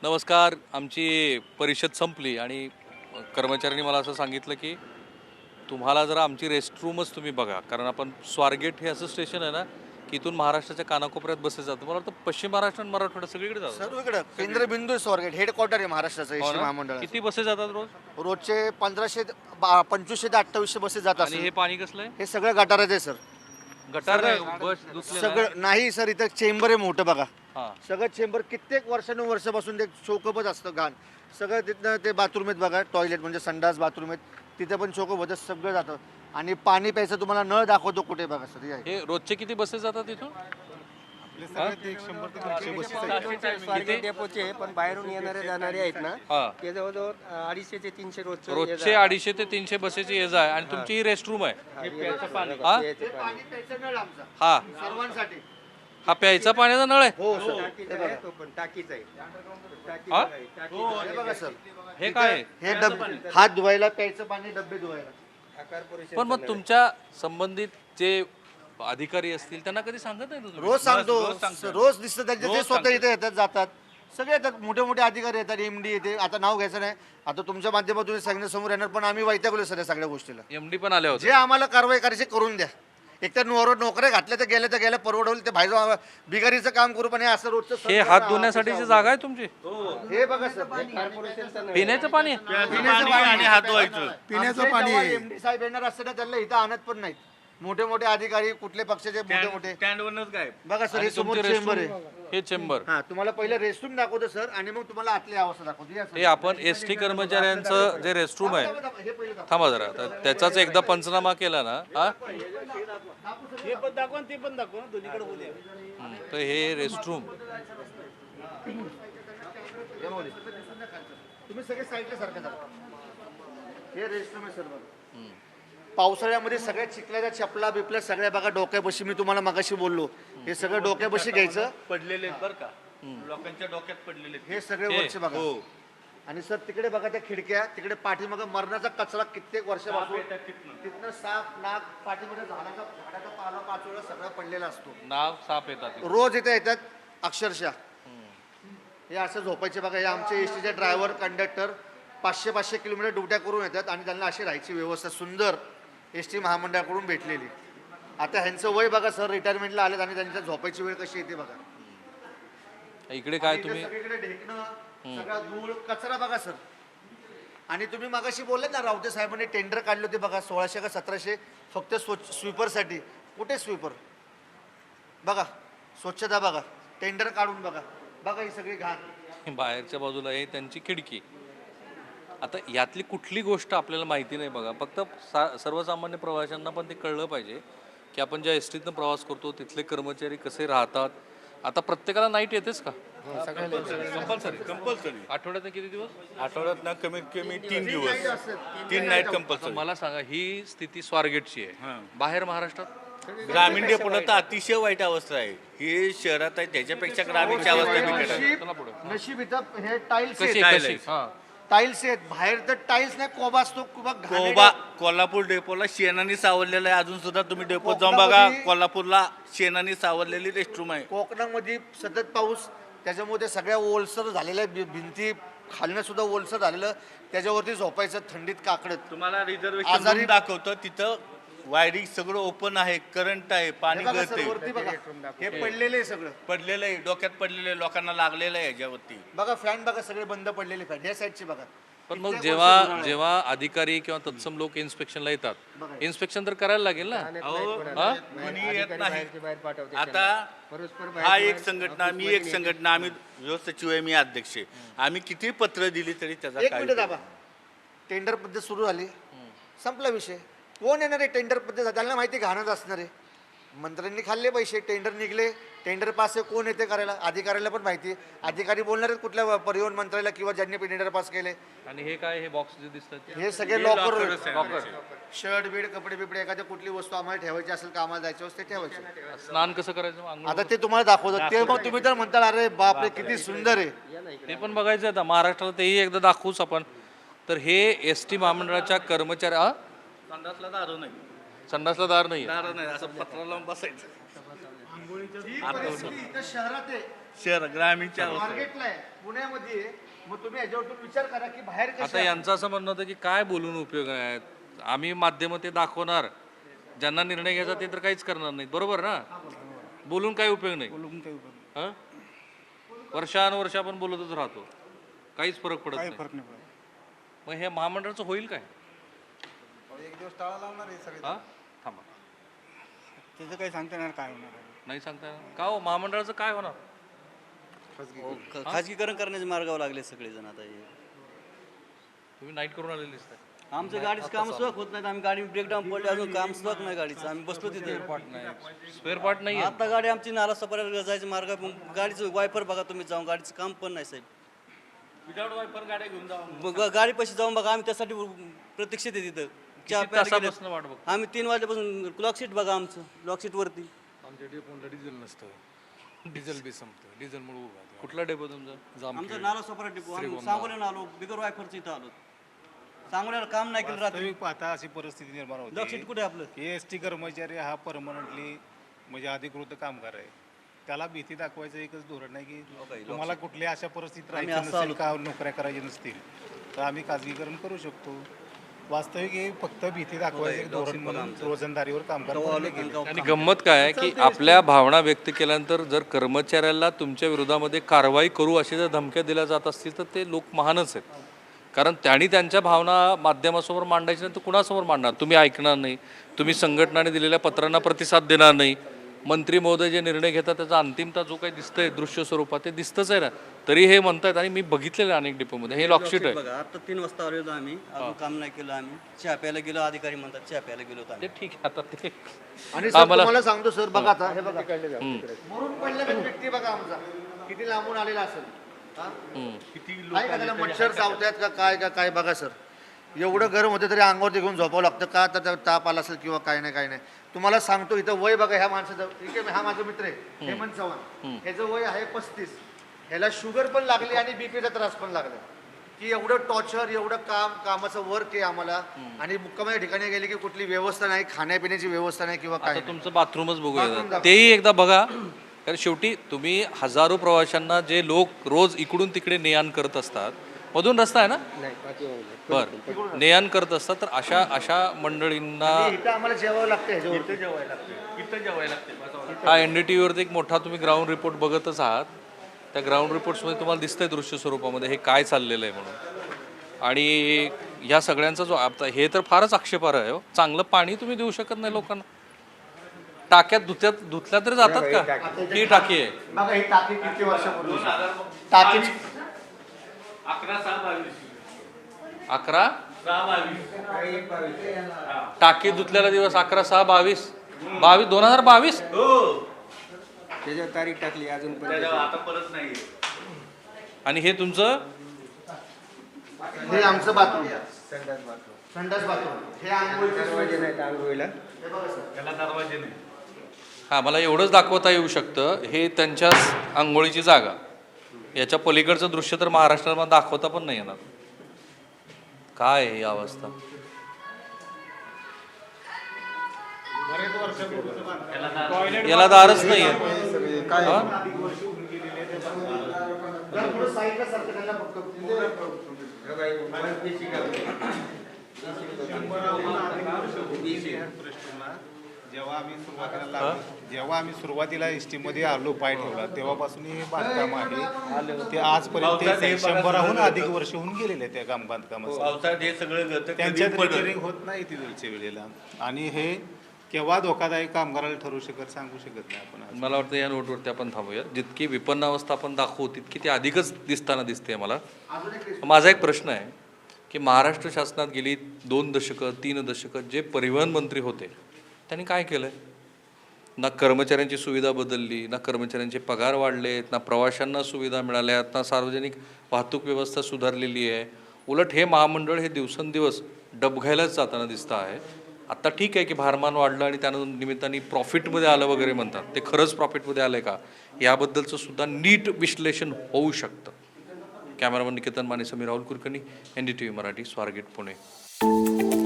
नमस्कार. आमची परिषद संपली आणि कर्मचाऱ्यांनी मला असं सांगितलं की तुम्हाला जरा आमची रेस्टरूमच तुम्ही बघा, कारण आपण स्वारगेट हे असं स्टेशन आहे ना की इथून महाराष्ट्राच्या कानाकोपऱ्यात बसेस जातात. मला वाटतं पश्चिम महाराष्ट्र आणि मराठवाडा सगळीकडे जातात. सर्वीकडे केंद्रबिंदू आहे स्वारगेट, हेडक्वार्टर आहे महाराष्ट्राचं हो एसटी ना? महामंडळ. किती बसेस जातात रोज? रोजचे 2500 ते 2800 बसेस जातात आणि सर. हे पाणी कसलं आहे? हे सगळं गटारच आहे सर. गटार नाही, बस दुसरे नाही. सगळं नाही सर, इथं चेंबर आहे मोठं बघा. हां. सगळं चेंबर कित्येक वर्षानुवर्षापासून ते चोकपच असतं घाण. सगळं तिथनं ते बाथरूम आहेत बघा, टॉयलेट म्हणजे संडास बाथरूम आहेत, तिथे पण चोकप होतं, सगळं जातं. आणि पाणी प्यायचं तुम्हाला नळ दाखवतो कुठे बघा सर. हे आहे. हे रोजचे किती बसेस जातात इथून? स्वारगेट डेपोचे पण बाहेरून येणारे जाणारे आहेत ना, हां. ते जवळजवळ 250 ते 300 रोजचे रोजचे 250 ते 300 बसेसची ये जा आहे आणि तुमची ही रेस्टरूम आहे. हा? हे पाणी प्यायचं नळ आमचा हा सर्वांसाठी. हा प्यायचा पाण्याचा नळ आहे. हो सर. टाकीचा आहे. हा? हे बघा सर, हे काय आहे? हे डबे हात धुवायला, प्यायचं पाणी, डबे धुवायला. पण मग तुमच्या संबंधित जे अधिकारी असतील त्यांना कधी सांगत नाही तुम्ही? रोज सांगतो, रोज दिसतं त्यांचे. ते स्वतः इथे येतात, जातात, सगळे येतात, मोठे मोठे अधिकारी येतात, MD येते. आता नाव घ्यायचं नाही, आता तुमच्या माध्यमातून सांगण्यासमोर येणार, पण आम्ही वैतागलो सर या सगळ्या गोष्टीला. एमडी पण आले होते. जे आम्हाला कारवाई करायची करून द्या. एक तर नोकऱ्या घातल्या तर गेल्या परवडवलं, ते बाहेर बिगारीचं काम करू, पण हे असं रोजचं हे हात धुण्यासाठीची जागा आहे तुमची? हे बघा सर, पिण्याचं पाणी? आणि हात धुवायचं पिण्याचं पाणी. MD साहेब येणार असताना त्यांना इथं आणत पण नाहीत. मोठे मोठे अधिकारी, कुठले पक्षाचे मोठे मोठे बघा सर. हे समोर चेंबर आहे. हे चेंबर. हा, तुम्हाला पहिलं रेस्टरूम दाखवतो सर, आणि मग तुम्हाला आतली अवस्था दाखवतो. या सर. हे आपण एसटी कर्मचाऱ्यांचं जे रेस्टरूम आहे, हे पहिलं दाखवा. थांबा जरा, तर त्याचाच एकदा पंचनामा केला ना. हा? हे पण दाखवा आणि ते पण दाखवा, दोन्हीकडे बोलूया. तर हे रेस्टरूम हे माऊली. तुम्ही सगळे साईडला सारखं दाखवा. हे रेस्टरूम आहे सर बघा. पावसाळ्यामध्ये सगळ्या चिखल्याच्या चपला बिपल्या सगळ्या बघा डोक्यापाशी. मी तुम्हाला मगाशी बोललो, हे सगळं डोक्यापाशी घ्यायचं. पडलेले आहेत बरं का, लोकांच्या डोक्यात पडलेले आहेत. हे सगळे वरचे बघा. आणि सर तिकडे बघा त्या खिडक्या, तिकडे पाठीमागं मरणाचा कचरा कित्येक वर्षापासून तिथनं साप नाक, पाठीमध्ये झाडाचा पाला पाचोळा सगळा पडलेला असतो. नाव साप येतात. रोज इथे येतात अक्षरशः. हे असं झोपायचे बघा. हे आमचे एसटीचे ड्रायव्हर कंडक्टर 500 किलोमीटर ड्युट्या करून येतात, आणि त्यांना अशी राहायची व्यवस्था सुंदर एसटी महामंडळाकडून भेटलेली. आता ह्यांचं वय बघा सर, रिटायरमेंटला आलेत, आणि त्यांच्या झोपायची वेळ कशी येते बघा. इकडे काय इथे तुम्ही? सगळीकडे ढेकणं, सगळा धूळ कचरा बघा सर. आणि तुम्ही मगाशी बोलले ना, रावते साहेबांनी टेंडर काढले होते बघा, 1600 का 1700 फक्त स्वीपरसाठी. कुठे स्वीपर बघा, स्वच्छता बघा, टेंडर काढून बघा. बघा ही सगळी घाण. बाहेरच्या बाजूला आहे त्यांची खिडकी. आता यातली कुठली गोष्ट आपल्याला माहिती नाही बघा. फक्त सर्वसामान्य प्रवाशांना पण ते कळलं पाहिजे की आपण ज्या एसटीतनं प्रवास करतो तिथले कर्मचारी कसे राहतात. आता प्रत्येकाला नाईट येतेच का? कंपल्सरी आठवड्यात किती दिवस? आठवड्यात ना कमीत कमी 3 दिवस, 3 नाईट आता कंपल्सरी. मला सांगा, ही स्थिती स्वारगेटची आहे. बाहेर महाराष्ट्रात ग्रामीण डेपोला तर अतिशय वाईट अवस्था आहे. हे शहरात आहे त्याच्यापेक्षा ग्रामीणची अवस्था बिकट आहे. चला पुढे. नशीब इथं हे टाईल्स कशी आहेत. कशी? हा. टाईल्स आहेत बाहेर, तर टाईल्स नाही, कोबा असतो. कोबा कोल्हापूर डेपोला शेणाने सावरलेला आहे. अजून सुद्धा तुम्ही डेपोत जाऊन बघा, कोल्हापूरला शेणाने सावरलेली रेस्टरूम आहे. कोकणामध्ये सतत पाऊस, त्याच्यामुळे ते सगळ्या ओलसर झालेल्या भिंती, खालनं सुद्धा ओलसर झालेलं, त्याच्यावरती झोपायचं थंडीत काकडत. तुम्हाला रिझर्वेशन दाखवतं, तिथं वायरिंग सगळं ओपन आहे, करंट आहे, पाणी गळते. वरती बघा, हे पडलेले आहे सगळं. पडलेलं आहे, डोक्यात पडलेलं आहे, लोकांना लागलेलं आहे याच्यावरती. बघा फॅन बघा, सगळे बंद पडलेले फॅन. या साईडची बघा. पण मग जेव्हा अधिकारी किंवा तत्सम लोक इन्स्पेक्शनला येतात, इन्स्पेक्शन तर करायला लागेल ना. कोणी येत नाही. बाहेर पाठवते. आता हा एक संघटना, मी एक संघटना, आम्ही जो सचिव आहे, मी अध्यक्ष आहे. आम्ही किती पत्र दिली तरी त्याचा एक काय मिनिट दाबा. टेंडर पद्धत सुरू झाली, संपला विषय. कोण येणार आहे टेंडर पद्धत? त्यांना माहिती घाणच असणार आहे. मंत्र्यांनी खाल्ले पैसे, टेंडर निघले, टेंडर पास आहे, कोण येते करायला? अधिकाऱ्याला पण माहिती आहे. अधिकारी बोलणार आहेत कुठल्या परिवहन मंत्र्याला किंवा ज्यांनी टेंडर पास केले. आणि हे काय, हे बॉक्स जे दिसतात हे सगळे लॉकर, लॉकर, शर्ट बीड, कपडे बिपडे, एखाद्या कुठली वस्तू आम्हाला ठेवायची असेल, कामाला जायचं असेल ते ठेवायचे. स्नान कसं करायचं? आंघोळ आता ते तुम्हाला दाखवतो. ते मग तुम्ही तर म्हणता अरे बापरे किती सुंदर आहे. ते पण बघायचं आता महाराष्ट्राला, तेही एकदा दाखवूच आपण. तर हे एसटी महामंडळाच्या कर्मचाऱ्या संडासला दारू नाही, संडासला दार नाही. दारू नाही, असं पत्र लावून बसायचं. ही परिस्थिती इथं शहरात आहे. शहर ग्रामीणच्या अवस्था. मार्केटला आहे पुण्यामध्ये आहे. मग तुम्ही याच्यावरतून विचार करा की बाहेर आता कसं यांचं असं म्हणणं होतं की काय बोलून उपयोग आहे, आम्ही माध्यम ते दाखवणार, ज्यांना निर्णय घ्यायचा ते तर काहीच करणार नाहीत, बरोबर ना? बोलून काही उपयोग नाही. हं? वर्षानुवर्ष आपण बोलतच राहतो, काहीच फरक पडत नाही. मग हे महामंडळाचं होईल काय? एक दिवस टाळा लावणार आहे सगळे. हा थांबा, त्याचं काही सांगता येणार काय होणार आहे. नाही सांगता येणार का हो? महामंडळाचं काय होणार? खाजगीकरण करण्याचे मार्गावर लागले सगळेजण आता हे. तुम्ही नाईट करून आलेले दिसताय. आमचं गाडीचं काम सुद्धा होत नाही. आम्ही गाडी ब्रेकडाऊन पडले, अजून काम सुद्धा नाही गाडीचं. आम्ही बसलो तिथे. स्पेअर पार्ट नाही आहे. आता गाडी आमची नाला सपाऱ्याला जायचं मार्ग आहे. मग गाडीचं वायपर बघा तुम्ही जाऊन, गाडीचं काम पण नाही साहेब. विदाउट वायपर गाड्या घेऊन जाऊ. मग गाडी पैसे जाऊन बघा, आम्ही त्यासाठी प्रतीक्षित आहे तिथं. चहा प्यायला गेलो. तासापासून वाट बघतो. आम्ही 3 वाजल्यापासून क्लॉक शीट बघा आमचं, क्लॉक शीट वरती. आमच्या डेपोला डिझेल नसतं, डिझेल बी संपतं, डिझेलमुळे उभा आहे. कुठला डेपो तुमचा? आमचा नाला सपारा डिपो. आम्ही सांगोल्याला आलो, बिगर वायफरचं इथं आलो. सांगोल्याला काम नाही केलं रात्री. वास्तविक पाहता अशी परिस्थिती निर्माण क्लॉक शीट होती कुठे आहे आपलं? की एस टी कर्मचारी हा परमनंटली म्हणजे अधिकृत कामगार आहे. त्याला भीती दाखवायचं एकच धोरण आहे की तुम्हाला कुठल्या अशा परिस्थितीत आम्ही राहायचं असं नसेल आलो. का नोकऱ्या करायच्या नसतील तर आम्ही खाजगीकरण करू शकतो. वास्तविक हे फक्त भीती दाखवायचं एक धोरण म्हणून रोजंदारीवर कामगार पडले गेले. आणि गंमत काय आहे की आपल्या भावना व्यक्त केल्यानंतर जर कर्मचाऱ्याला तुमच्या विरोधामध्ये कारवाई करू अशी जर धमक्या दिल्या जात असतील तर ते लोक महानच आहेत. कारण त्यांनी त्यांच्या भावना माध्यमासमोर मांडायच्या नाही तर कुणासमोर मांडणार? तुम्ही ऐकणार नाही, तुम्ही संघटनाने दिलेल्या पत्रांना प्रतिसाद देणार नाही, मंत्री महोदय जे निर्णय घेतात त्याचा अंतिमता जो काही दिसतंय दृश्य स्वरूपात ते दिसतंच आहे ना. तरी हे म्हणतायत आणि मी बघितलेलं आहे अनेक डिपोमध्ये, हे लॉकशीट आहे. बघा आता 3 वाजता आलेलो आम्ही, अजून काम नाही केलं आम्ही. चहा प्यायला गेलो, अधिकारी म्हणतात चहा प्यायला गेलो होतो आम्ही. ते ठीक आहे आता ते आणि सर तुम्हाला सांगतो सर बघा आता हे बघा मरून पडलेला व्यक्ती बघा आमचा किती लांबून आलेला असेल. हा? काय का त्याला मच्छर चावतात का काय बघा सर. एवढं गरम होतं तरी अंगावरती घेऊन झोपावं लागतं का? तर ताप आला असेल किंवा काय नाही. तुम्हाला सांगतो इथं वय बघा ह्या माणसाचं. ठीक आहे, हा माझा मित्र आहे हेमंत चव्हाण, ह्याचं वय आहे 35. ह्याला शुगर पण लागली आणि बीपीचा त्रास पण लागला. की एवढं टॉर्चर, एवढं कामाचं वर्क आहे आम्हाला. आणि मुक्कामाच्या ठिकाणी गेले की कुठली व्यवस्था नाही, खाण्यापिण्याची व्यवस्था नाही किंवा काय आता तुमचं बाथरूमच बघूया, तेही एकदा बघा. कारण शेवटी तुम्ही हजारो प्रवाशांना जे लोक रोज इकडून तिकडे ने-आण करत असतात, मधून रस्ता आहे ना, बर ने-आण करत असतात, तर अशा मंडळींना इथं आम्हाला जेवावं लागतं ह्याच्यावरती. इथं जेवायला लागते. हा NDTVवरती एक मोठा तुम्ही ग्राउंड रिपोर्ट बघतच आहात. त्या ग्राउंड रिपोर्ट्समध्ये तुम्हाला दिसतंय दृश्य स्वरूपामध्ये हे काय चाललेलं आहे म्हणून. आणि ह्या सगळ्यांचा जो आता हे तर फारच आक्षेपार्ह आहे. चांगलं पाणी तुम्ही देऊ शकत नाही लोकांना. टाक्यात धुतल्या तरी जातात का? ही टाकी आहे. बघा ही टाकी किती वर्षापूर्वी टाकीची 11 टाकी धुतल्याला दिवस 11/6/22 2022. त्याच्यावर तारीख टाकली अजून पण. आता परत नाही. आणि हे तुमचं हे आमचं बाथरूम, संडास बाथरूम. हे आंघोळीचं दरवाजे नाहीत आंघोळीला. हे बघा सर. त्याला दरवाजे नाही. हा मला एवढंच दाखवता येऊ शकतं. हे त्यांच्या आंघोळीची जागा. याच्या पलीकडचं दृश्य तर महाराष्ट्रात दाखवता पण नाही येणार. काय आहे ही अवस्था? याला दारच नाही आहे. पुढं साईडला सारखं त्यांना फक्त जेव्हा आम्ही सुरुवातीला एसटी मध्ये आलो, पाय ठेवला तेव्हापासून हे बांधकाम आहे ते आजपर्यंत 100हून अधिक वर्ष होऊन गेलेले त्या बांधकामाचं. पावसाळ्यात हे सगळं गळतं. त्यांच्यात कधी पडलं. रिपेअरिंग होत नाही ती वेळच्या वेळेला. आणि हे केव्हा धोकादायक कामगाराला ठरू सांगू शकत नाही आपण आज. मला वाटतं या नोटवरती आपण थांबूया. जितकी विपन्न अवस्था आपण दाखवू तितकी ती अधिकच दिसताना दिसते मला. माझा एक प्रश्न आहे की महाराष्ट्र शासनात गेली 2 दशकं 3 दशकं जे परिवहन मंत्री होते त्यांनी काय केलं? ना कर्मचाऱ्यांची सुविधा बदलली, ना कर्मचाऱ्यांचे पगार वाढलेत, ना प्रवाशांना सुविधा मिळाल्यात, ना सार्वजनिक वाहतूक व्यवस्था सुधारलेली आहे. उलट हे महामंडळ हे दिवसेंदिवस डबघायलाच जाताना दिसतं आहे. आत्ता ठीक आहे की भारमान वाढलं आणि त्यानं निमित्ताने प्रॉफिटमध्ये आलं वगैरे म्हणतात. ते खरंच प्रॉफिटमध्ये आलं आहे का याबद्दलचं सुद्धा नीट विश्लेषण होऊ शकतं. Cameraman Niketan Mane, Sameer Rahul Kulkarni, NDTV Marathi, Swargate, Pune.